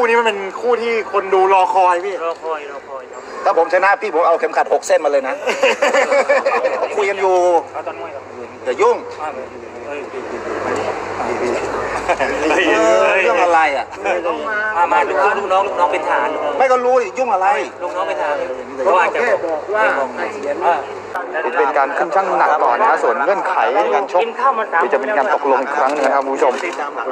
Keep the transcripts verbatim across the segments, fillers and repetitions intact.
นี้มันเป็นคู่ที่คนดูรอคอยพี่รอคอยรอคอยครับถ้าผมชนะพี่ผมเอาเข็มขัดหกเส้นมาเลยนะคุยกันอยู่อย่ายุ่งเรื่องอะไรอ่ะมามาลูกลูกน้องลูกน้องเป็นทหารไม่ก็รู้ยุ่งอะไรลูกน้องเป็นทหารเขาอาจจะบอกว่าเป็นการขึ้นชั่งน้ำหนักก่อนนะส่วนเงื่อนไขการชกที่จะเป็นการตกลงอีกครั้งนึงนะครับคุณผู้ชม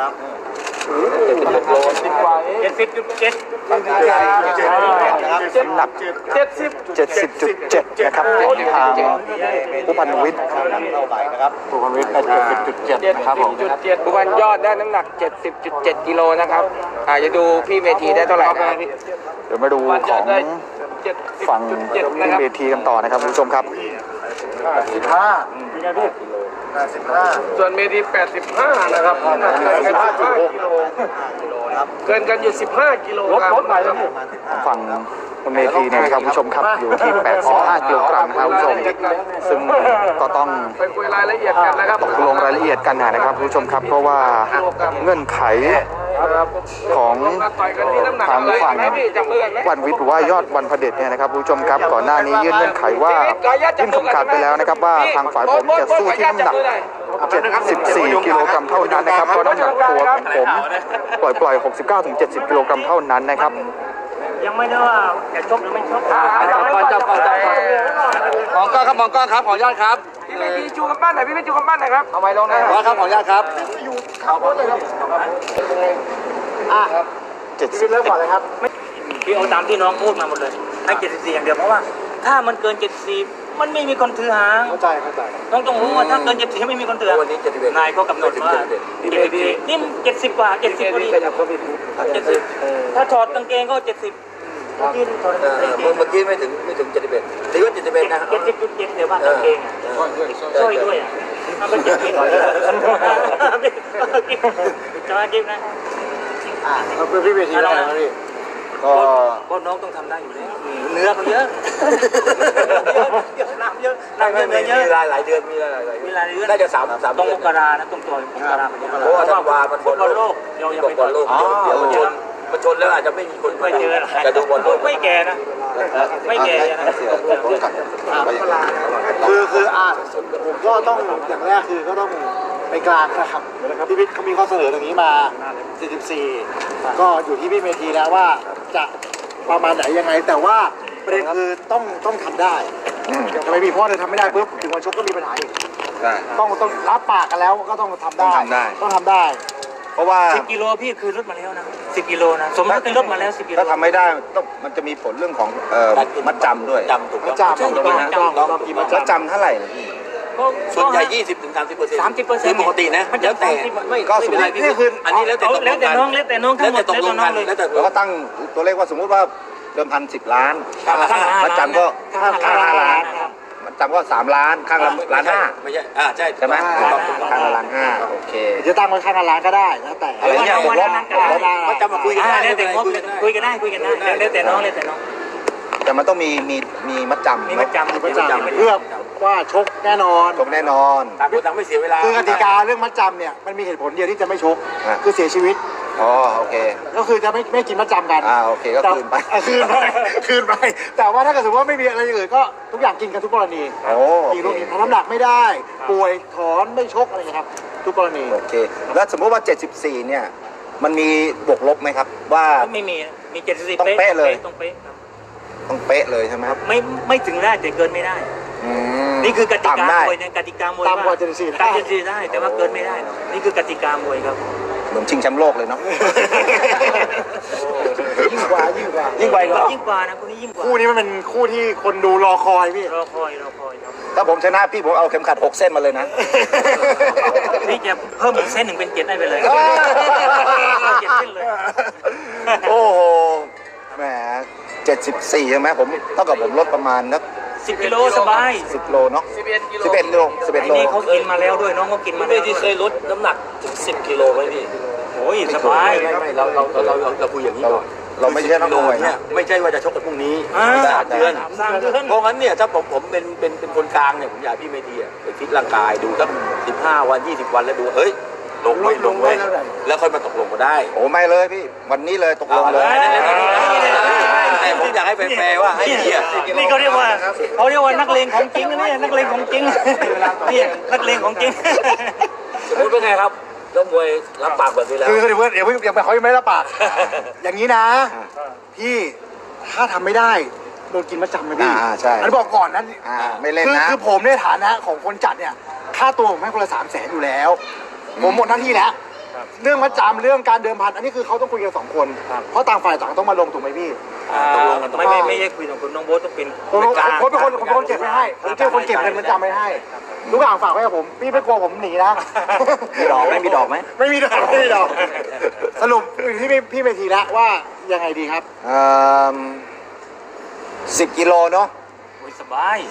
เจ็ดสิบจุดเจ็ดน้ำหนักเจ็ดสิบเจ็ดสิบจุดเจ็ดนะครับทางผู้พันวิทย์นะครับผู้พันวิทย์ได้เจ็ดสิบจุดเจ็ดนะครับผมผู้พันยอดได้น้ำหนัก เจ็ดสิบจุดเจ็ด กิโลนะครับอ่าจะดูพี่เมธีได้เท่าไหร่นะครับเดี๋ยวมาดูของฝั่งพี่เมธีกันต่อนะครับคุณผู้ชมครับสิบห้าเป็นไงพี่แปดสิบห้าส่วนเมธีแปดสิบห้านะครับแปดสิบห้ากิโลเกินกันอยู่สิบห้ากิโลลดลดหน่อยแล้วพี่ฝั่งคุณเมธีเนี่ยนะครับคุณผู้ชมครับอยู่ที่แปดสิบห้ากิโลกรัมครับคุณผู้ชมซึ่งก็ต้องไปคุยรายละเอียดกันนะครับตกลงรายละเอียดกันนะครับคุณผู้ชมครับเพราะว่าเงื่อนไขของทางฝั่งวันวิทย์หรือว่ายอดวันพเดชเนี่ยนะครับคุณผู้ชมครับก่อนหน้านี้ยื่นเงื่อนไขว่ายื่นคำขาดไปแล้วนะครับว่าทางฝ่ายผมจะสู้ที่น้ำหนักเจ็ดสิบสี่กิโลกรัมเท่านั้นนะครับเพราะน้ำหนักตัวของผมปล่อยปล่อยหกสิบเก้าถึงเจ็ดสิบกิโลกรัมเท่านั้นนะครับยังไม่ได้ว่าจะชกหรือไม่ชกก่อนจับก่อนจับมองกล้องครับมองกล้องครับขออนุญาตครับพี่เมธีชูกำปั้นหน่อยพี่เมธีชูกำปั้นหน่อยครับเอาไว้ลงนะขอครับขออนุญาตครับอยู่เขาโพสเลยครับอ่ะเจ็ดสิบเริ่มก่อนเลยครับพี่เอาตามที่น้องพูดมาหมดเลยให้เจ็ดสิบสี่อย่างเดียวเพราะว่าถ้ามันเกินเจ็ดสิบมันไม่มีคนถือหางเข้าใจเข้าใจน้องต้องรู้ว่าถ้าเกินเจ็ดสิบไม่มีคนถือหางวันนี้เจ็ดสิบเอ็ดนายเขากำหนดว่านี่เจ็ดสิบกว่าเจ็ดสิบพอดีเจ็ดสิบถ้าถอดกางเกงก็เจ็ดสิบเมื่อกี้ไม่ถึงไม่ถึงเจ็ดสิบเอ็ดหรือว่าเจ็ดสิบเอ็ดนะเจ็ดสิบจุดเจ็ดเดี๋ยวว่ากางเกงช่วยด้วยอ่ะทำเป็นเจ็ดสิบจะมาจิ้มนะอ่าเราเป็นพี่เวทีแล้วนะพี่ก็ก็น้องต้องทำได้อยู่แล้วเนื้อเขาเยอะน้ำเยอะน้ำเยอะเนื้อเยอะมีหลายหลายเดือนมีหลายหลายมีหลายเดือนน่าจะสามสามต้องมกรานะต้องตัวมกราเพราะว่าถ้าวามันบอลโลกเดี๋ยวยังไม่บอลโลกเดี๋ยวมันชนมันชนแล้วอาจจะไม่มีคนไม่เจอจะดูบอลโลกไม่แก่นะไม่แก่นะคือคืออ่าผมก็ต้องอย่างแรกคือก็ต้องไปกลางนะครับพี่พิษเขามีข้อเสนอตรงนี้มาสี่สิบสี่ก็อยู่ที่พี่เมธีแล้วว่าจะประมาณไหนยังไงแต่ว่าประเด็นคือต้องต้องทำได้จะไม่มีเพราะถ้าทำไม่ได้ปุ๊บถึงวันชกก็มีปัญหาอีกต้องต้องรับปากกันแล้วก็ต้องทำได้ต้องทำได้เพราะว่าสิบกิโลพี่คือลดมาแล้วนะสิบกิโลนะสมมติเป็นลดมาแล้วสิบกิโลถ้าทำไม่ได้ต้องมันจะมีผลเรื่องของเอ่อมัดจำด้วยจำถูกมัดจำต้องกินมัดจำเท่าไหร่ส่วนใหญ่ยี่สิบถึงสามสิบเปอร์เซ็นต์สามสิบเปอร์เซ็นต์ปกตินะแล้วแต่ไม่ก็สมมตินี่คืออันนี้แล้วแต่แล้วแต่น้องแล้วแต่น้องทั้งหมดแล้วแต่น้องเลยเราก็ตั้งตัวเลขว่าสมมุติว่าเดิมพันสิบล้านมัดจำก็ข้างห้าล้านมัดจำก็สามล้านข้างละล้านห้าไม่ใช่อ่าใช่ใช่ไหมข้างละล้านห้าโอเคจะตั้งไว้ข้างละล้านก็ได้แล้วแต่อะไรเงี้ยผมว่ามัดจำมาคุยกันได้แล้วแต่งบคุยกันได้คุยกันได้แล้วแต่น้องแล้วแต่น้องแต่มันต้องมีมีมีมัดจำมีมัดจำมีมัดจำเพื่อว่าชกแน่นอนชกแน่นอนต่างคนต่างไม่เสียเวลาคือกติกาเรื่องมัดจำเนี่ยมันมีเหตุผลเดียวที่จะไม่ชกคือเสียชีวิตอ๋อโอเคก็คือจะไม่ไม่กินมัดจำกันอ่าโอเคก็คืนไปคืนไปคืนไปแต่ว่าถ้าเกิดสมมติว่าไม่มีอะไรอื่นก็ทุกอย่างกินกันทุกกรณีโอ้กินลูกทำน้ำหนักไม่ได้ป่วยถอนไม่ชกอะไรครับทุกกรณีโอเคแล้วสมมติว่าเจ็ดสิบสี่เนี่ยมันมีบวกลบไหมครับว่าไม่มีมีเจ็ดสิบสี่ต้องเป๊ะเลยต้องเป๊ะต้องเป๊ะเลยใช่ไหมครับไม่ไม่ถึงได้แต่เกินไม่ได้นี่คือกติกามวยเนี่ยกติกามวยตามกว่าเจ็ดสิบสี่ได้เจ็ดสิบสี่ได้แต่ว่าเกินไม่ได้นี่คือกติกามวยครับเหมือนชิงแชมป์โลกเลยเนาะยิ่งกว่ายิ่งกว่ายิ่งกว่ายิ่งกว่านะคู่นี้ยิ่งกว่าคู่นี้มันเป็นคู่ที่คนดูรอคอยพี่รอคอยรอคอยครับถ้าผมชนะพี่ผมเอาเข็มขัดหกเส้นมาเลยนะนี่จะเพิ่มอีกเส้นหนึ่งเป็นเจ็ดได้ไปเลยเจ็ดเส้นเลยโอ้โหแหมเจ็ดสิบสี่ใช่ไหมผมเท่ากับผมลดประมาณนักสิบกิโลสบายสิบโลเนาะสิบเอ็ดกิโลสิบเอ็ดโลสิบเอ็ดโลนี่เขากินมาแล้วด้วยน้องเขากินมาแล้วที่เคยลดน้ำหนักถึงสิบกิโลไหมพี่โอ้ยสบายไม่ไม่เราเราเราเราคุยอย่างนี้ก่อนเราไม่ใช่นักมวยเนี่ยไม่ใช่ว่าจะชกกันพรุ่งนี้สามเดือนสามเดือนเพราะงั้นเนี่ยถ้าผมผมเป็นเป็นเป็นคนกลางเนี่ยผมอยากพี่เมธีไปฟิตร่างกายดูสักสิบห้าวันยี่สิบวันแล้วดูเฮ้ยลงไว้ลงไว้แล้วค่อยมาตกลงก็ได้โอ้ไม่เลยพี่วันนี้เลยตกลงเลยแต่ผมอยากให้แฟร์ๆว่าให้เกียรตินี่เขาเรียกว่าเขาเรียกว่านักเลงของจริงนะเนี่ยนักเลงของจริงนี่นักเลงของจริงคุณเป็นไงครับแล้วมวยรับปากแบบนี้แล้วคือเดี๋ยวเดี๋ยวเดี๋ยวเขายังไม่รับปาก อย่างนี้นะ พี่ถ้าทำไม่ได้โดนกินมาจำไหมพี่อ่าใช่อันนบอกก่อนนะอ่าไม่เล่นคือนะคือผมในฐานะของคนจัดเนี่ยค่าตัวผมให้คนละสามแสนอยู่แล้ว ผมหมดหน้าที่แล้ว เรื่องมัดจำเรื่องการเดิมพันอันนี้คือเขาต้องคุยกันสองคน เพราะต่างฝ่ายต่างต้องมาลงถูกไหมพี่ไม่ไม่ไม่ใช่คุยกับคุณน้องโบ๊ทต้องเป็นผมผมเป็นคนผมเป็นคนเก็บไว้ให้ผมเป็นคนเก็บเงินมัดจำไว้ให้ทุกอย่างฝากไว้กับผมพี่ไม่กลัวผมหนีนะมีดอกไหมมีดอกไหมไม่มีดอกไม่มีดอกสรุปพี่พี่พี่เมทีแล้วว่ายังไงดีครับสิบกิโลเนาะโอ้ยสบาย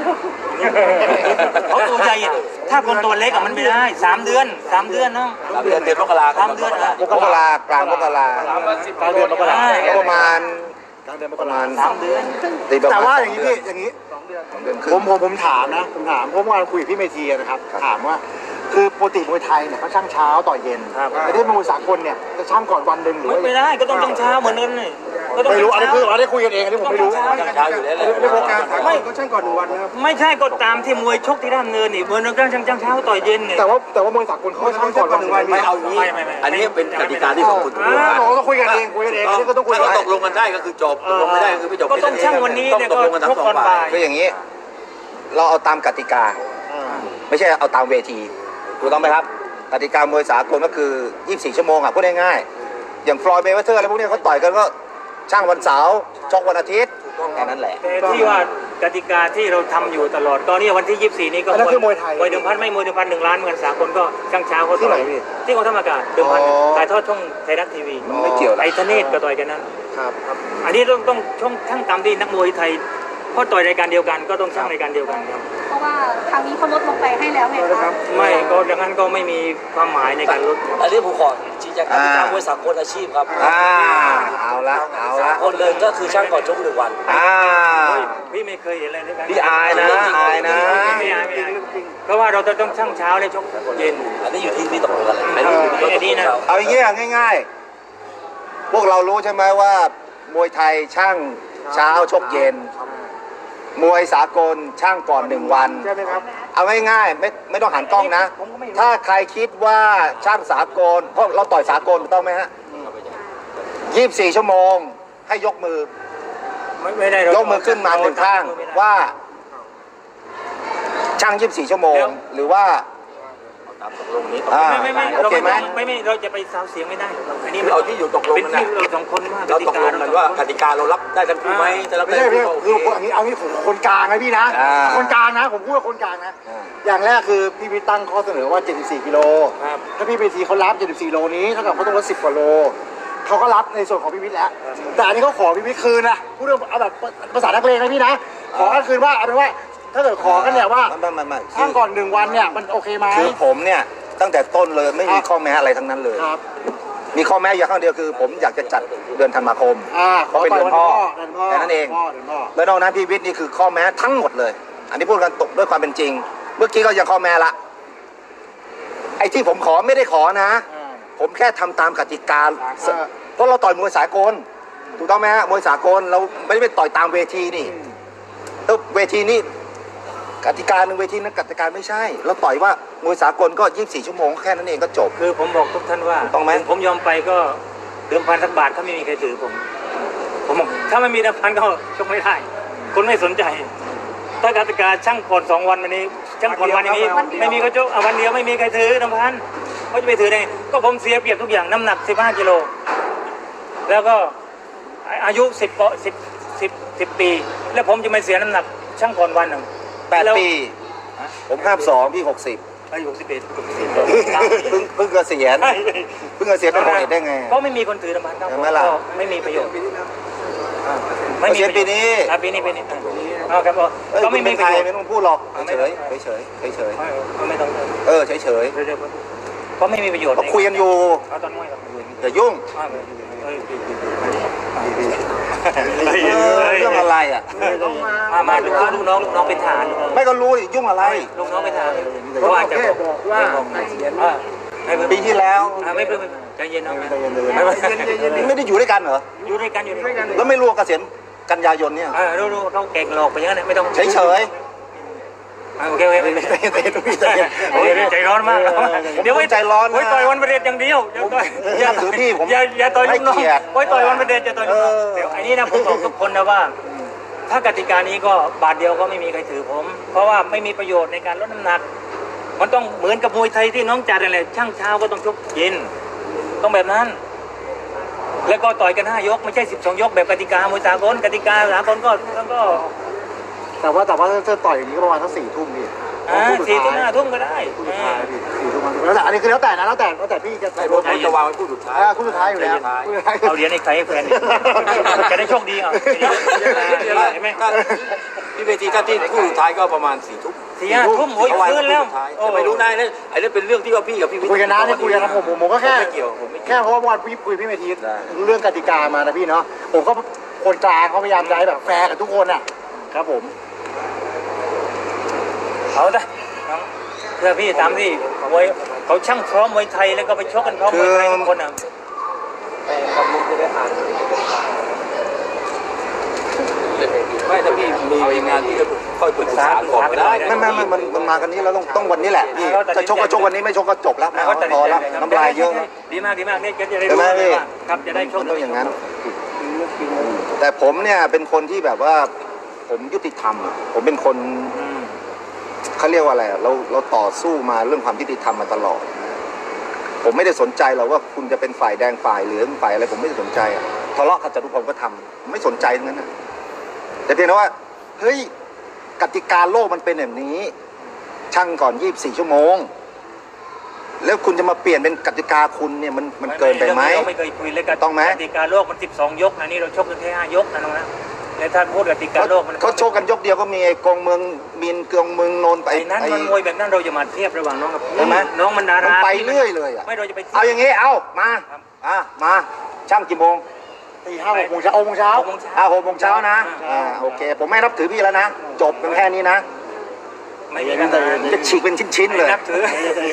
เขาตัวใหญ่ถ้าคนตัวเล็กอะมันไม่ได้สามเดือนสามเดือนเนาะสามเดือนเดือนมกราสามเดือนอะมกรากลางมกรากลางเดือนมกราก็ประมาณกลางเดือนมปกระรามาณสามเดือนตีประมณแต่ว่าอย่างนี้พี่อย่างนี้สองเดือนครึ่ผงมผมผมถามนะผมถามเพราะเมื่อวานคุยกับพี่เมธีนะครับถามว่าคือปกติมวยไทยเนี่ยเขาช่างเช้าต่อเย็นแต่ที่มวยสากลเนี่ยจะช่างก่อนวันหนึ่งหรือไม่ว่าไม่ได้ก็ต้องต้องเช้าเหมือนกันเลยก็ต้องไม่รู้อันนี้เช้าคืออันนี้คุยกันเองอันนี้ผมไม่รู้เช้าอยู่แล้วแหละไม่โครงการไม่ก็ช่างก่อนหนึ่งวันนะครับไม่ใช่ก็ตามที่มวยชกที่ด้านเนินนี่มวยนักช่างช่างเช้าต่อยเย็นเนี่ยแต่ว่าแต่ว่ามวยสากลเขาช่างก่อนวันหนึ่งวันไม่เอาอย่างนี้อันนี้เป็นกติกาที่ของคุณตกลงอ่ากันผมก็ต้องคุยกันเองคุยกันเองอันนี้ก็ต้องคุยถ้ากันเราตกลงกันได้ก็คือจบตกลงไม่ได้ก็คือไม่จบก็ต้องช่างวันนี้ต้องเนี่ยตก็กลงกันทั้ชงกสองก่อนฝ่าบ่าย ยคืออย่างนี้ เราเอาตามกติกา ไม่ใช่เอาตามเวทีถูกต้องไหมครับกติกามวยสากลก็คือยี่สิบสี่ชั่วโมงอ่ะพูดง่ายๆอย่างฟลอยด์เมเวเทอร์อะไรพวกนี้เขาต่อยกันก็ช่างวันเสาร์ชกวันอาทิตย์แค่นั้นแหละแต่ที่ว่ากติกาที่เราทำอยู่ตลอดก็เนี่ยวันที่ยี่สิบสี่นี้ก็อันนั้นคือมวยไทยมวยเดิมพันไม่มวยเดิมพันหนึ่งล้านเหมือนสากลก็ช่างเช้าเขาที่ไหนต่อยพี่ที่กองทัพอากาศเดิมพันอ๋อถ่ายทอดช่องไทยรัฐทีวีไม่เกี่ยวหรอกไอ้ธเนศก็ต่อยกันนั้นครับอันนี้ต้องต้องช่องช่างตามที่นักมวยไทยเพราะต่อยรายการเดียวกันก็ต้องช่างรายการเดียวกันครับเพราะว่าครั้งนี้เขาลดลงไปให้แล้วไงคะไม่ก็ดังนั้นก็ไม่มีความหมายในการลดอันนี้ผมขอชี้แจงกติกามวยสากลอาชีพครับอ่าเอาละเอาละคนเลยก็คือช่างก่อนชกหนึ่งวันอ่าพี่ไม่เคยเห็นอะไรด้วยกันพี่อายนะอายนะไม่อายไม่อายเพราะว่าเราจะต้องช่างเช้าและชกเย็นอันนี้อยู่ที่พี่ตกลงกันแหละอันนี้อยู่ที่อันนี้นะเอาอย่างเงี้ยง่ายๆ พวกเรารู้ใช่ไหมว่ามวยไทยช่างเช้าชกเย็น มวยสากลช่างก่อนหนึ่งวันใช่ไหมครับเอาง่ายๆไม่ไม่ต้องหันกล้องนะ ถ้าใครคิดว่าช่างสากลเพราะเราต่อยสากลถูกต้องไหมฮะยี่สิบสี่ชั่วโมงให้ยกมือไม่ไม่ได้ยกมือขึ้นมาหนึ่งข้างว่า ช่างยี่สิบสี่ชั่วโมง หรือว่าตามตกลงนี้อ่าไม่ไม่ไม่โอเคไหมไม่ไม่เราจะไปซาวเสียงไม่ได้อันนี้เอาที่อยู่ตกลงเป็นกันที่นะเราสองคนว่าเราตกลงกันว่ากติกาเรารับได้ทั้งคู่ไหมจะรับไม่ได้ใช่ทั้งพี่คู่คือโออันนี้เอางี้ผมคนกลางนะพี่นะอ่าคนกลางนะ ผมพูดว่าคนกลางนะอ่าอย่างแรกคือพี่วิทย์ตั้งข้อเสนอว่า เจ็ดสิบสี่กิโลครับถ้าพี่เมทีเขารับ เจ็ดสิบสี่โลนี้เท่ากับเขาต้องลดสิบกว่าโลเขาก็รับในส่วนของพี่วิทย์แล้ว แต่อันนี้เขาขอพี่วิทย์คืนนะพูดเรื่องเอาแบบภาษานักเลงนะพี่นะ ขอกันคืนว่าเอาเป็นว่า ถ้าเกิดขอกันเนี่ยว่าไม่ไม่ไม่ช่างก่อนหนึ่งวันเนี่ยมันโอเคไหมคือผมเนี่ยตั้งแต่ต้นเลยไม่มีครับข้อแม้อะไรทั้งนั้นเลยครับมีข้อแม้อย่างข้างเดียวคือ ผมอยากจะจัดเดือนธันวาคมอ่าเพราะเป็นเดือนพ่อเดือนพ่อแค่นั้นเองพ่อเดือนพ่อแล้วนอกนั้นพี่วิทย์นี่คือข้อแม้ทั้งหมดเลย อันนี้พูดกันตกด้วยความเป็นจริง เมื่อกี้ก็ยังข้อแม้ละ ไอ้ที่ผมขอไม่ได้ขอนะอ่าผมแค่ทำตามกติกาอ่าเพราะเราต่อยมวยสากล ถูกต้องไหมฮะมวยสากลเราไม่ได้ไปต่อยตามเวทีนี่แล้วเวทีนี่กติกาหนึ่งเวทีนั้นกติกาไม่ใช่ เราต่อยว่ามวยสากลก็ยี่สิบสี่ชั่วโมงแค่นั้นเองก็จบคือผมบอกทุกท่านว่าต้องไหมผมยอมไปก็เดิมพันสักบาทถ้าไม่มีใครถือผม ผมบอกถ้าไม่มีเดิมพันก็ชกไม่ได้คนไม่สนใจ ถ้ากติกาช่างผ่อนสองวันวันนี้ช่างผ่อนวันอย่างนี้ไม่มีเขาชกอ่ะวันเดียวไม่มีใครถือเดิมพันเขาจะไปถือได้ไงก็ผมเสียเปรียบทุกอย่างน้ำหนักสิบห้ากิโลแล้วก็อายุสิบสิบสิบสิบปี แล้วผมจะไม่เสียน้ำหนักช่างผ่อนวันหนึ่งแปดปี ผมห้าสองพี่หกสิบอายุสิบเอ็ดเพิ่งเพิ่งเกษียณเพิ่งเกษียณเป็นหกเอ็ดได้ไงก็ไม่มีคนถือน้ำมันครับเห็นไหมล่ะก็ไม่มีประโยชน์เกษียณปีนี้อ่ะปีนี้ปีนี้อ่าครับเอ้ยก็ไม่ไม่มีเป็นปไทระยโยชน์ไม่ต้องพูดหรอกเฉยเฉยเฉยเฉยเฉยไม่ไม่ต้องเออเฉยเฉยเดี๋ยวๆก็ไม่มีประโยชน์เราคุยกันอยู่เอาตอนน้อยครับอย่ายุ่งอ่าเอ้ยเออเรื่องอะไรอ่ะมามาลูกลูกน้องลูกน้องเป็นทหารลูกน้องไม่ก็รู้ดิยุ่งอะไรลูกน้องเป็นทหารเพราะว่าจะบอกว่าอ่าไม่เป็นปีที่แล้วอ่าไม่เป็นไม่เป็นใจเย็นเอาไงใจเย็นเลยไม่เป็นไม่ได้อยู่ด้วยกันเหรออยู่ด้วยกันอยู่ด้วยกันแล้วไม่รู้ว่าเกษียณกันยายนเนี่ยอ่ารู้รู้เราเก่งหลอกไปอย่างนั้นไม่ต้องเฉยเฉยอ่าโอเคโอเคโอเคใจเย็นใจเย็นพี่ใจเย็นโอ้ยใจร้อนมากเดี๋ยวใจร้อนนะไว้ต่อยวันประเด็นอย่างเดียวอย่าต่อยอย่าถือพี่ผมอย่าอย่าต่อยลูกน้องให้เกียรติไว้ต่อยวันประเด็นจะต่อยลูกน้องเออเดี๋ยวอันนี้นะผมบอกทุกคนนะว่า ถ้ากติกานี้ก็บาทเดียวก็ไม่มีใครถือผม เพราะว่าไม่มีประโยชน์ในการลดน้ำหนัก มันต้องเหมือนกับมวยไทยที่น้องจัดอะไรช่างเช้าก็ต้องชกเย็นต้องแบบนั้น แล้วก็ต่อยกันห้ายกไม่ใช่สิบสองยกแบบกติกามวยสากลกติกาสากลก็แล้วก็แต่ว่าแต่ว่าถ้าต่อยอย่างนี้ก็ประมาณสักสี่ทุ่มพี่อ่าสี่ทุ่มห้าทุ่มก็ได้คู่สุดท้ายพี่สี่ทุ่มแล้วแต่อันนี้คือแล้วแต่นะแล้วแต่แล้วแต่พี่จะใส่โดนผมจะวางไว้คู่สุดท้ายอ่าคู่สุดท้ายอยู่แล้วคู่สุดท้ายเอาเหรียญให้ใครให้แฟนจะได้โชคดีอ่ะเห็นไหมก็พี่เวทีถ้าที่คู่สุดท้ายก็ประมาณสี่ทุ่มสี่ห้าทุ่มโอ้ยเอาไว้คืนแล้วแต่ไม่รู้นายนะไอ้นั่นเป็นเรื่องที่ว่าพี่กับพี่วิทย์คุยกันนะนี่คุยกันนะผมผมผมก็แค่ไม่เกี่ยวผมไม่เกี่ยวแค่เพราะว่าวันพี่คุยพี่เมธีเรื่องกติกามานะพี่เนาะผมก็คนกลางเขาพยายามจะให้แบบแฟร์กับทุกคนอ่ะครับผมเอาละน้องเพื่อพี่ตามที่มวยเขาช่างพร้อมมวยไทยแล้วก็ไปชกกันพร้อมมวยไทยทุกคนอ่ะไม่ถ้าพี่มีงานที่จะค่อยปรึกษาก่อนก็ได้ไม่ไม่ไม่มันมันมากันนี้แล้วต้องต้องวันนี้แหละพี่จะชกก็ชกวันนี้ไม่ชกก็จบแล้วเขาตัดพสิอนใจแล้วเลยครับน้ำลายเยอะดีมากดีมากนี่จะได้ใช่รู้ไหมเลยพี่ว่าครับจะได้โชคมันต้องอย่างนั้น แต่ผมเนี่ยเป็นคนที่แบบว่าผมยุติธรรมอะผมเป็นคนอืมเขาเรียกว่าอะไรอะเราเราต่อสู้มาเรื่องความยุติธรรมมาตลอด ผมไม่ได้สนใจหรอกว่าคุณจะเป็นฝ่ายแดงฝ่ายเหลืองฝ่ายอะไรผมไม่ได้สนใจอะทะเลาะกันจตุพรก็ทำผมไม่สนใจทั้งนั้นนะแต่เพียงแต่ว่าเฮ้ยกติกาโลกมันเป็นแบบนี้ ช่างก่อนยี่สิบสี่ชั่วโมง แล้วคุณจะมาเปลี่ยนเป็นกติกาคุณเนี่ยมันมันเกินไปไหมเราไม่เคยคุยเลยกันต้องไหมกติกาโลกมันสิบสองยกนะนี่เราชกกันแค่ห้ายกนะน้องนะแต่ถ้าพูดกติกาโลกมันเขาโชคกันยกเดียวก็มีไอ้กองเมืองมินเกืองเมืองนนท์ไปไอ้นั้นมันมวยแบบนั้นเราจะมาเทียบระหว่างน้องกับใช่ไหมน้องมันดามันราไปเรื่อยเลยอะไม่เราจะไปทีบเอาอย่างงี้เอามาอ่ะมาช่างกี่โมงตีห้าหกโมงเช้าหกโมงเช้าหกโมงเช้าอ่าหกโมงเช้านะอ่าโอเค ผมไม่นับถือพี่แล้วนะ จบกันแค่นี้นะไม่มีปัญหาจะฉีกเป็นชิ้นๆเลยนับถือ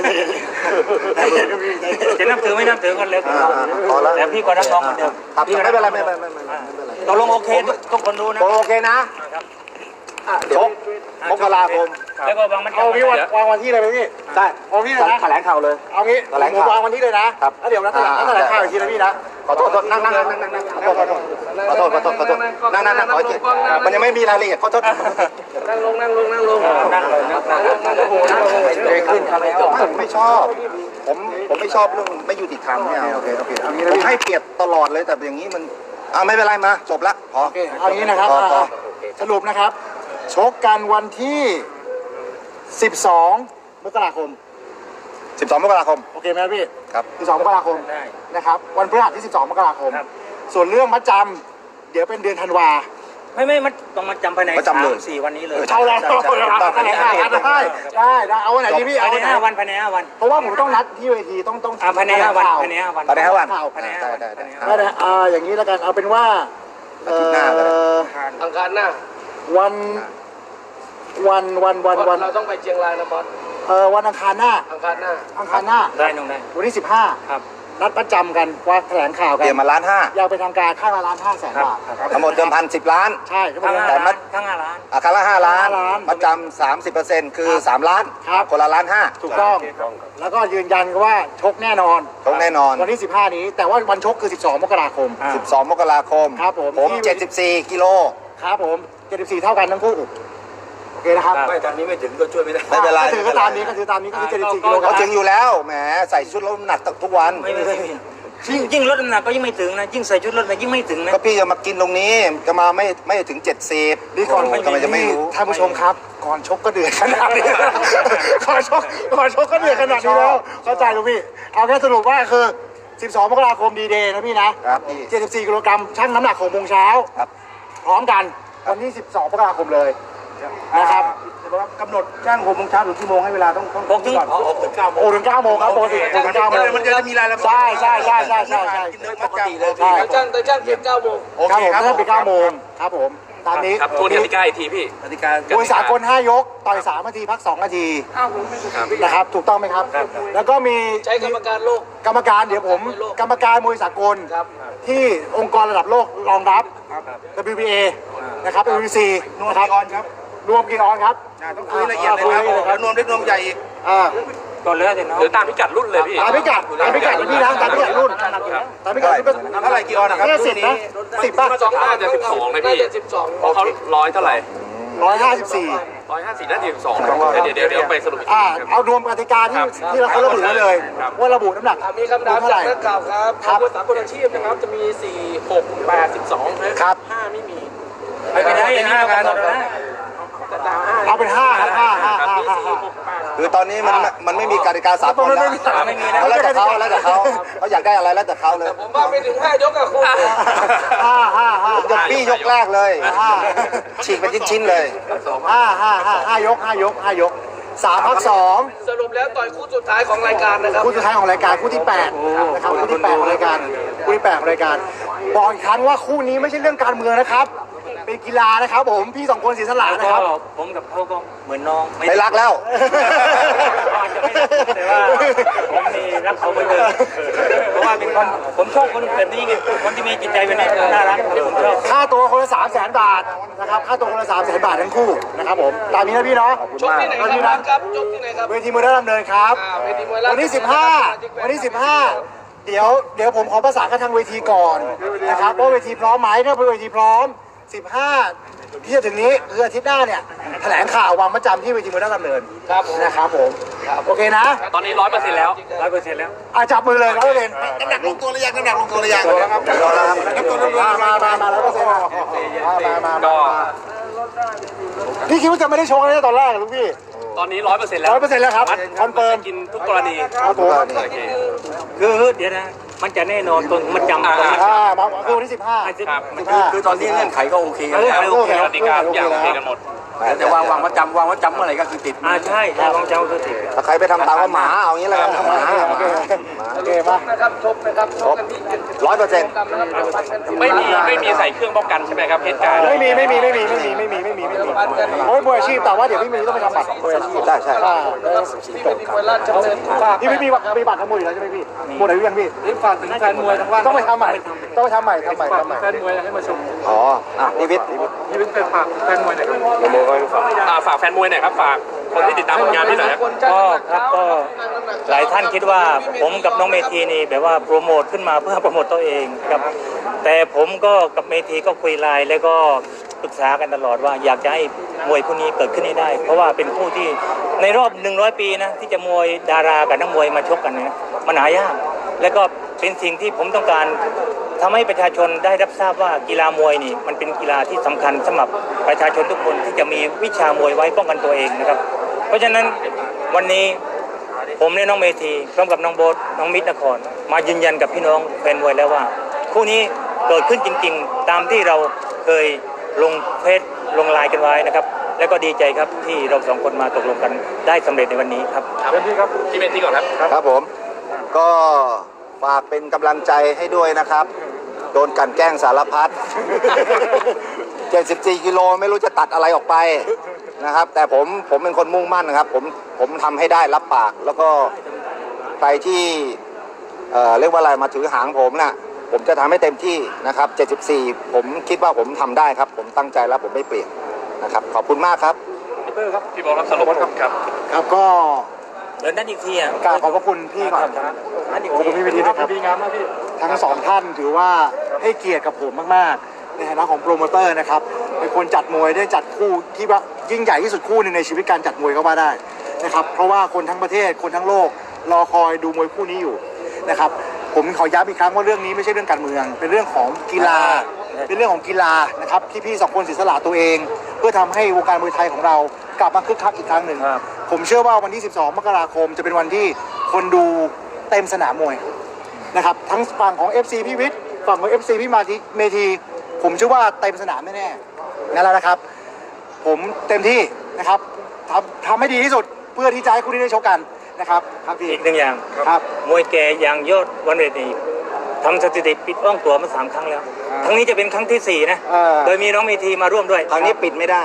จะนับถือไม่นับถือกันเลยอ่าพอแล้วแต่พี่ก็รักน้องเหมือนเดิมครับพี่ก็ไม่เป็นไรกไม่องเป็นไรไม่เป็นไรไม่เป็นไรตกลงโอเคทุกทุกคนดูนะโอเคนะชกมกราคมแล้วก็วางมันเอาพี่วันวางวันที่เลยไหมพี่ได้เอาพี่เลยนะแถลงข่าวเลยเอางี้แถลงผมข่าววางวันที่เลยนะครับแล้วเดี๋ยวนัดแถลงอ่านัดแถลงข่าวอีกทีนะพี่นะขอโทษขอโทษนั่งนั่งนั่งนั่งนั่งขอโทษขอโทษขอโทษขอโทษขอโทษนั่งนั่งนั่งขออีกทีมันยังไม่มีรายละเอียดขอโทษนั่งลงนั่งลงนั่งลงนั่งเลยนะเลยขึ้นผมไม่ชอบ ผมผมไม่ชอบเรื่องไม่ยุติธรรมเนี่ยโอเคโอเคเอางี้ผนะมพี่ให้เปรียบตลอดเลยแต่อย่างนี้มันอ่าไม่เป็นไรมาจบละพอโอเคเอางี้นะครับพอพออ่าสรุปนะครับ ชกกันวันที่สิบสองมกราคมสิบสองมกราคมโอเคไหมพี่ครับสิบสองมกราคมได้นะครับวันพฤหัสที่สิบสองมกราคมครับส่วนเรื่องมัดจำเดี๋ยวเป็นเดือนธันวาไม่ไม่มันต้องมาจำภายในมาจำเลยสามสี่วันนี้เลยเอาละเอาละเอาละได้ได้ได้ได้เอาวันไหนดีพี่เอาภายในวันไหนห้าวันภายในห้าวันเพราะว่าผมต้องนัดที่เวทีต้องต้องอ่าภายในห้าวันภายในห้าวันภายในห้าวันข่าวภายในได้ห้าวันได้ได้ได้ได้อ่าอย่างนี้แล้วกันเอาเป็นว่าเอ่อาทิตย์หน้าก็ได้ออังคารหน้าวันวันวันวันวันเราต้องไปเชียงรายนะบอสเอ่อวันอังคารหน้าอังคารหน้าอังคารหน้าได้น้องได้วันที่สิบห้าครับนัดประจำกันว่าแถลงข่าวเตกันรียมมาล้านห้าอยากเป็นทางการค่าละล้านห้าแสนครับบาทครับทั้งหมดเดิมพันสิบล้านใช่ครับผทั้งมห้าแต่มัล้าดนทั้งห้าล้านอาคารละห้าล้านห้าล้านมาจำสามสิบเปอร์เซ็นต์คือสามล้านครับคนละล้านห้าถูกต้อง แล้วก็ยืนยันว่าชกแน่นอนตรงแน่นอนวันที่สิบห้านี้ แต่ว่าวันชกคือสิบสองมกราคมอ่าสิบสองมกราคมครับผมผมเจ็ดสิบสี่กิโลครับผมเจ็ดสิบสี่เท่ากันทั้งคู่โอเคนะครับไม่ทางนี้ไม่ถึงก็ช่วยไม่ได้ไม่เป็นไรก็ถือก็ตามนี้ก็ถือตามนี้ก็คือเจ็ดสิบสี่กิโลกรัเขามถึงอยู่แล้วแหมใส่ชุดลดน้ำหนักทุกวันไม่ไม่ไม่ยิ่งยิ่งลดน้ำหนักก็ยิ่งไม่ถึงนะยิ่งใส่ชุดลดน้ำหนักยิ่งไม่ถึงนะก็พี่จะมากินตรงนี้จะมาไม่ไม่ถึงเจ็ดสิบนี่ก่อนทำไมจะไม่รู้ท่านผู้ชมครับ ก่อนชกก็เดือดขนาดนี้ ก่อนชกก่อนชกก็เดือดขนาดนี้แล้วเข้าใจลูกพี่ เอาแค่สรุปว่าคือสิบสองมกราคมดีเดย์นะพี่นะครับพี่เจ็ดสิบสี่กิโลกรัมชั่งน้ำหนักหกโมงเช้าครับพร้อมกันวันที่สิบสองมกราคมเลยนะครับกำหนดช่างหกโมงเช้าหรือกี่โมงให้เวลาต้องต้องหกถึงพอออกถึงเก้าโมงโอ้ถึงเก้าโมงครับปกติถึงเก้าโมงมันจะมีรายละเอียดใช่ใช่ใช่ใช่ใช่ใช่กินโดยปกติเลยใช่แต่จ้างแต่จ้างเก็บเก้าโมงครับผมถ้าเป็นเก้าโมงครับผมตามนี้ครับทวนกติกาอีกทีพี่กติกามวยสากลห้ายกต่อยสามนาทีพักสองนาทีนะครับถูกต้องไหมครับ แล้วก็มีใช้กรรมการโลกกรรมการเดี๋ยวผมกรรมการมวยสากลที่องค์กรระดับโลกรองรับ ดับเบิลยู บี เอ นะครับ ดับเบิลยู บี ซี นะครับรวมกี่ออนครับต้องคุยละเอียดเลยครับนวมเล็กนวมใหญ่อีกอ่าก่อนเลยเดี๋ยวน้องหรือตามพิกัดรุ่นเลยพี่ตามพิกัดตามพิกัดพี่นะตามพิกัดรุ่นตามพิกัดรุ่นเป็นเท่าไหร่กี่ออนนะครับเนี่ยสิบนะสิบป่ะสองน่าจะสิบสองนะพี่เพราะเขาร้อยเท่าไหร่ร้อยห้าสิบสี่ร้อยห้าสิบน่าจะสิบสองเดี๋ยวเดี๋ยวเดี๋ยวไปสรุปอีกทีอ่าครับเอารวมกติกาที่ที่เราเขาระบุไว้เลย ว่าระบุน้ำหนักมีคำถามเท่าไหจาร่กนักข่าวครับครับมวยสากลอาชีพนะครับ จะมี สี่ หก แปด สิบสองนะครับ ห้าไม่มีไม่เป็นไรอย่างนี้เรากำหนดได้แต่ดาวห้าเอาเป็นห้าครับห้าห้าห้าห้าห้าคือตอนนี้มันมันไม่มีกติกาสากลแล้วไม่มีแล้วแล้วแต่เขาแล้วแต่เขาเขาอยากได้อะไรแล้วแต่เขาเลยผมว่าไปถึงห้ายกอะคุณห้าห้าห้ายกปี้ยกแรกเลย ฉีกเป็นชิ้นๆเลยห้าห้าห้าห้ายกห้ายกห้ายกสามพักสองสรุปแล้วต่อยคู่สุดท้ายของรายการนะครับคู่สุดท้ายของรายการคู่ที่แปดนะครับคู่ที่แปดของรายการคู่ที่แปดของรายการบอกอีกครั้งว่าคู่นี้ไม่ใช่เรื่องการเมืองนะครับ เป็นกีฬานะครับผมพี่สองคนเสียสละนะครับผมกับเขาก็เหมือนน้องไม่รักแล้วอาจจะไม่รักแต่ว่าผมนี่รักเขาเหมือนเดิมเพราะว่าเป็นคนผมชอบคนแบบนี้ไงคนที่มีจิตใจแบบนี้น่ารักผมชอบค่าตัวคนละสามแสนบาทนะครับค่าตัวคนละสามแสนบาททั้งคู่นะครับผมตามนี้นะพี่เนาะชกที่ไหนครับครับชกที่ไหนครับเวทีมวยราชดำเนินครับอ่าเวทีมวยราชวันที่สิบห้าวันที่สิบห้าเดี๋ยวเดี๋ยวผมขอประสานกับทางเวทีก่อนนะครับว่าเวทีพร้อมไหมถ้าเป็นเวทีพร้อมสิบห้าที่จะถึงนี้คืออาทิตย์หน้าเนี่ยแถลงข่าววางประจำที่เวทีมวยราชดำเนินนะครับผมโอเคนะตอนนี้ร้อยเปอร์เซ็นต์แล้วร้อยเปอร์เซ็นต์แล้วอาจับมือเลยร้อยเปอร์เซ็นต์น้ำหนักลงตัวหรือยังน้ำหนักลงตัวหรือยังมามามามาร้อยเปอร์เซ็นต์มามามาก็พี่คิดว่าจะไม่ได้โชว์เลยตอนแรกลูกพี่ตอนนี้ร้อยเปอร์เซ็นต์แล้วร้อยเปอร์เซ็นต์แล้วครับคอนเฟิร์มกินทุกกรณีครับผมคือเดี๋ยวนะมันจะแน่นอนตรงมันจำตรงนี้อ่ามาคือวันที่สิบห้าครับสิบห้าคือตอนนี้เงื่อนไขก็โอเคเออแล้วโอเคกติกาทุกอย่างโอเคกันหมดแต่วางวางว่าจำวางว่าจำเมื่อไหร่ก็คือติดอ่าใช่ใช่ของเจ้าคือติดถ้าใครไปทำตามว่าหมาเอางี้แล้วกันหมาโอเคโอเคมานะครับชกนะครับชกกันที่ร้อยเปอร์เซ็นต์ไม่มีไม่มีใส่เครื่องป้องกันใช่ไหมครับเหตุการณ์ไม่มีไม่มีไม่มีไม่มีไม่มีไม่มีไม่มีโอ้ยมวยอาชีพแต่ว่าเดี๋ยวพี่มีต้องไปทำบัตรมวยอาชีพใช่ใช่อ่าที่เวทีมวยราชดำเนินฝากพี่ไม่มีบัตรมีบัตรทำมวยอยู่แล้วใช่ไหมพี่หมดอายุยังพี่นี่ฝากถึงแฟนมวยทั้งว่าต้องไปทำใหม่ต้องไปทำใหม่ทำใหม่ทำใหม่แฟนมวยให้มาชมอ๋ออ่ะนิวิทย์นี่เป็นฝากแฟนมวยหน่อยอ่าฝากแฟนมวยหน่อยครับฝากคนที่ติดตามผลงานพี่หน่อยครับก็ครับก็หลายท่านคิดว่าผมกับน้องเมธีนี่แบบว่าโปรโมทขึ้นมาเพื่อโปรโมทตัวเองครับแต่ผมก็กับเมธีก็คุยไลน์แล้วก็ปรึกษากันตลอดว่าอยากจะให้มวยคู่นี้เกิดขึ้นให้ได้ เพราะว่าเป็นคู่ที่ในรอบหนึ่งร้อยปีนะที่จะมวยดารากับนักมวยมาชกกันเนี่ยมันหายากแล้วก็เป็นสิ่งที่ผมต้องการทำให้ประชาชนได้รับทราบว่ากีฬามวยนี่มันเป็นกีฬาที่สำคัญสำหรับประชาชนทุกคนที่จะมีวิชามวยไว้ป้องกันตัวเองนะครับเพราะฉะนั้นวันนี้ผมและน้องเมธีพร้อมกับน้องโบ๊ทน้องมิตรนครมายืนยันกับพี่น้องแฟนมวยแล้วว่าคู่นี้เกิดขึ้นจริงๆตามที่เราเคยลงเฟซลงไลน์กันไว้นะครับแล้วก็ดีใจครับที่เราสองคนมาตกลงกันได้สำเร็จในวันนี้ครับพี่เมธีก่อนครับครับผมก็ฝากเป็นกำลังใจให้ด้วยนะครับโดนกลั่นแกล้งสารพัด เจ็ดสิบสี่กิโลไม่รู้จะตัดอะไรออกไปนะครับแต่ผมผมเป็นคนมุ่งมั่นนะครับผมผมทำให้ได้รับปากแล้วก็ใครที่เอ่อเรียกว่าอะไรมาถือหางผมน่ะผมจะทำให้เต็มที่นะครับเจ็ดสิบสี่ผมคิดว่าผมทำได้ครับผมตั้งใจแล้วผมไม่เปลี่ยนนะครับขอบคุณมากครับพี่บอกครับสรุปครับครับครับก็เดินด้านอีกทีอ่ะกราบขอบพระคุณพี่ก่อนครับด้านอีกขอบทีคุณพี่วิธีนะครับดีงามมากพี่ทั้งสองท่านถือว่าให้เกียรติกับผมมากๆในฐานะของโปรโมเตอร์นะครับเป็นคนจัดมวยได้จัดคู่ที่ว่ายิ่งใหญ่ที่สุดคู่หนึ่งในชีวิตการจัดมวยก็ว่าได้นะครับเพราะว่าคนทั้งประเทศคนทั้งโลกรอคอยดูมวยคู่นี้อยู่นะครับผมขอย้ำอีกครั้งว่าเรื่องนี้ไม่ใช่เรื่องการเมือง เป็นเรื่องของกีฬาเป็นเรื่องของกีฬานะครับที่พี่สองคนเสียสละตัวเอง เพื่อทำให้วงการมวยไทยของเรากลับมาคึกคักอีกครั้งหนึ่งผมเชื่อว่าวันที่สิบสองมกราคมจะเป็นวันที่คนดูเต็มสนามมวยนะครับทั้งฝั่งของ เอฟ ซี พี่วิทย์ฝั่งของ เอฟ ซี พี่มาทีเมธีผมเชื่อว่าเต็มสนามแน่ๆนั่นแหละนะครับ ผมเต็มที่นะครับทำทำให้ดีที่สุดเพื่อที่จะให้คู่นี้ได้ชกกันนะครับครับพี่อีกหนึ่งอย่างครับมวยแก่อย่างยอดวันเรนีทำสถิติปิดอ้องตัวมาสามครั้งแล้วครั้งนี้จะเป็นครั้งที่สี่นะเออโดยมีน้องเมธีมาร่วมด้วยคราวนี้ปิดไม่ได้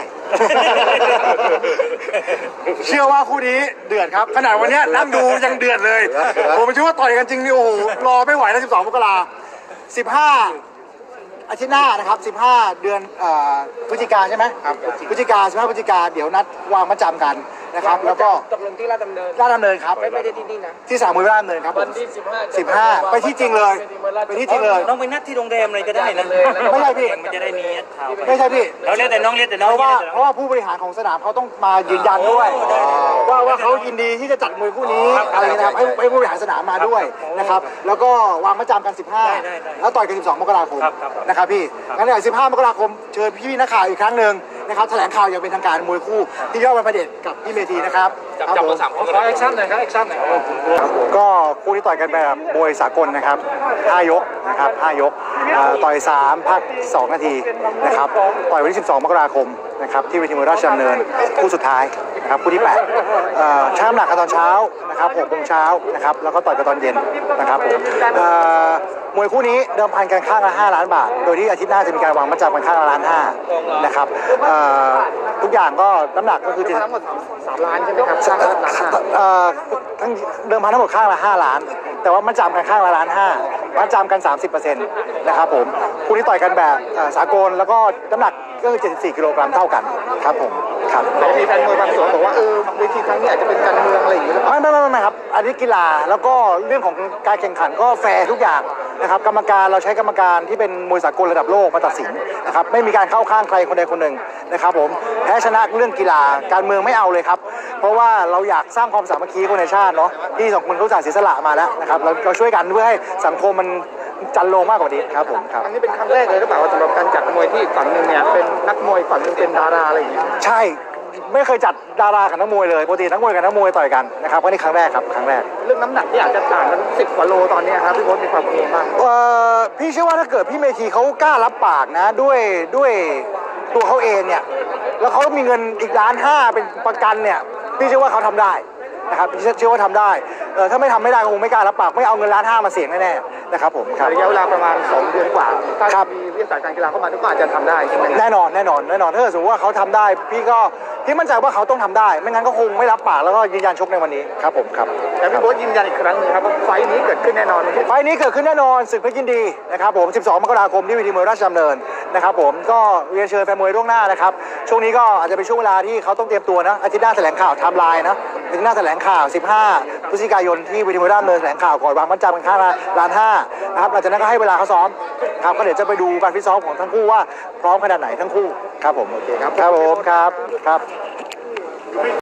เชื่อว่าคู่นี้เดือดครับ ขนาดวันเนี้ยนั่งดูยังเดือดเลย ผมคิดว่าต่อยกันจริงนี่โอ้โหรอไม่ไหวแล้วสิบสองมกราสิบห้าอาทิตย์หน้านะครับสิบห้าเดือนเอ่อพฤศจิกาใช่ไหมครับพฤศจิกาสิบห้าพฤศจิกาเดี๋ยวนัดวางมาจำกันนะครับแล้วก็ตกลงที่ราชดำเนินราชดำเนินครับไม่ไม่ได้ที่นี่นะที่สนามมวยราชดำเนินครับวันที่สิบห้าสิบห้าไปที่จริงเลยไปที่จริงเลยน้องไปนัดที่โรงแรมเลยก็ได้นะไม่ใช่พี่มันจะได้มีข่าวไปไม่ใช่พี่เราเรียกแต่น้องเรียกแต่น้เพองราะว่าเรียกแต่เพน้องราะว่าผู้บริหารของสนามเขาต้องมายืนยันด้วยว่าว่าเขายินดีที่จะจัดมวยคู่นี้อะไรนะครับให้ให้ผู้บริหารสนามมาด้วยนะครับแล้วก็วางมาจำกันสิบห้าแล้วต่อยกันสิบสองมกราคมนะครับพี่งั้นเดี๋ยวสิบห้ามกราคมเชิญพี่ๆนักข่าวอีกครั้งหนึ่งนะครับแถลงข่าวอย่างเป็นทางการมวยคู่ที่ยอดวันพระเดชกับพี่เมธีนะครับจับจับมาสามคนขอแอคชั่นหน่อยครับแอคชั่นหน่อยก็คู่ที่ต่อยกันแบบมวยสากลนะครับห้ายกนะครับห้ายกเอ่อต่อยสามพักสองนาทีนะครับต่อยวันที่สิบสองมกราคมนะครับที่เวทีมวยราชดำเนินคู่สุดท้ายนะครับคู่ที่แปดเอ่อชั่งน้ำหนักกันตอนเช้านะครับหกโมงเช้านะครับแล้วก็ต่อยกันตอนเย็นนะครับผมเอ่อมวยคู่นี้เดิมพันกันข้างละห้าล้านบาทโดยที่อาทิตย์หน้าจะมีการวางมัดจำกันข้างละล้านห้านะครับเอ่อทุกอย่างก็น้ำหนักก็คือจะทั้งหมดสามล้านใช่ไหมครับข้างละล้านห้าเอ่อทั้งเดิมพันทั้งหมดข้างละห้าล้าน แต่ว่ามัดจำกันข้างละล้านห้ามัดจำกัน สามสิบเปอร์เซ็นต์ นะครับผมคู่นี้ต่อยกันแบบเอ่อสากลแล้วก็น้ำหนักก็คือเจ็ดสิบสี่กิโลกรัมเท่ากันครับผมครับแต่มีแฟนมวยบางส่วนบอกว่าเออเวทีครั้งนี้อาจจะเป็นการเมืองอะไรอย่างเงี้ยไม่ไม่ไม่ไม่ครับอันนี้กีฬาแล้วก็เรื่องของการแข่งขันก็แฟร์ทุกอย่างนะครับกรรมการเราใช้กรรมการที่เป็นมวยสากลระดับโลกมาตัดสินนะครับไม่มีการเข้าข้างใครคนใดคนหนึ่งนะครับผมแพ้ชนะเรื่องกีฬาการเมืองไม่เอาเลยครับเพราะว่าเราอยากสร้างความสามัคคีคนในชาติเนาะที่สองคนเขาจ่ายเสียสละมาแล้วนะครับเราเราช่วยกันเพื่อให้สังคมมันจันโลงมากกว่านี้ครับผมครับอันนี้เป็นครั้งแรกเลยหรือเปล่าสำหรับการจัดมวยที่ฝั่งหนึ่งเนี่ยเป็นนักมวยฝั่งหนึ่งเป็นดาราอะไรอย่างเงี้ยใช่ไม่เคยจัดดารากับนักมวยเลยปกตินักมวยกับนักมวยต่อยกันนะครับก็นี่ครั้งแรกครับครั้งแรกเรื่องน้ำหนักที่อาจจะต่างกันสิบกว่าโลตอนนี้ครับพี่โบ๊ทมีความกังวลบ้างเอ่อพี่เชื่อว่าถ้าเกิดพี่เมธีเขากล้ารับปากนะด้วยด้วยตัวเขาเองเนี่ยแล้วเขามีเงินอีกล้านห้าเป็นประกันเนี่ยพี่เชื่อว่าเขาทำได้นะครับพี่เชื่อว่าทำได้เออถ้าไม่ทำไม่ได้ก็คงไม่กล้ารับปากไม่เอาเงินล้านห้ามาเสี่ยงแน่ๆนะครับผมครับระยะเวลาประมาณสองเดือนกว่าถ้ามีวิทยาศาสตร์การกีฬาเข้ามาก็อาจจะทำได้ใช่ไหมแน่นอนแน่นอนแน่นอนถ้าเกิดสมมติว่าเขาทำได้พี่ก็พี่มั่นใจว่าเขาต้องทำได้ไม่งั้นก็คงไม่รับปากแล้วก็ยืนยันชกในวันนี้ครับผมครับแต่พี่โบ๊ทยืนยันอีกครั้งหนึ่งครับว่าไฟนี้เกิดขึ้นแน่นอนไฟนี้เกิดขึ้นแน่นอนศึกเพชรยินดีนะครับผมสิบสองมกราคมที่เวทีมวยราชดำเนินนะครับผมก็เรียนเชิญแฟนมวยล่วงหน้านะครับช่วงนี้ก็อาจจะเป็นช่วงเวลาที่เขาต้องเตรียมตัวนะอาทิตย์หน้าแถลงข่าวไทม์ไลน์นะอาทิตย์หน้าแถลงข่าวสิบห้าพฤศจิกายนที่เวทีมวยราชดำเนินแถลงข่าวก่อนวางมัดจำกันข้างละล้านห้านะครับหลังจากนั้นก็ให้เวลาเขาซ้อมครับก็เดี๋ยวจะไปดูการฟิตซ้อมของทั้งคู่ว่าพร้อมขนาดไหนทั้งคู่ครับผมโอเคครับครับผมครับครับ